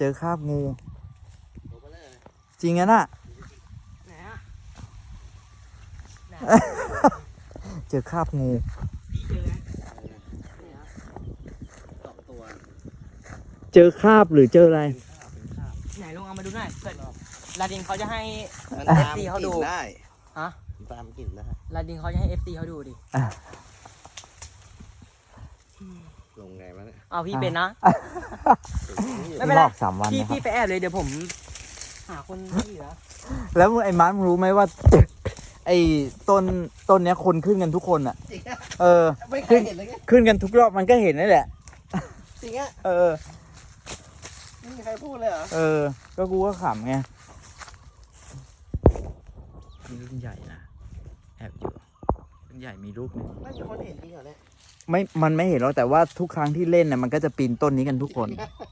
เจอคราบงูตัวเบลอเลยจริงอะน่ะไหนอะไหนเจอคราบงูพี่เจอไหมสองตัวเจอคราบหรือเจออะไรเป็นข้าวไหนลองเอามาดูหน่อยเกิดลาดินเขาจะให้มันเอตาฟมซีกเขาดูลิ่นได้ฮะมันตามกลิ่นได้ลาดินเขาจะให้ FC เขาดูดิลงไงวะเนี่ยเอาพี่เป็นนะ ไม่ไม่เป็นไรบอก3 วันพี่นะครับพี่ไปแอบเลยเดี๋ยวผมหาคนที่เหลือแล้วไอ้มาร์ครู้ไหมว่า ไอ้ต้นเนี้ยคนขึ้นกันทุกคนอ่ะจริงอะเออไม่เคยเห็นเลยไงขึ้นกันทุกรอบมันก็เห็นนั่นแหละจริงอะเออไม่มีใครพูดเลยเหรอเออ ก็กูก็ขำไงมีรุ่นใหญ่นะ แอบอยู่รุ่นใหญ่มีรูปหนึงไม่มีคนเห็นจริงเหรอเนี่ยมันไม่เห็นหรอกแต่ว่าทุกครั้งที่เล่นน่ะมันก็จะปีนต้นนี้กันทุกคน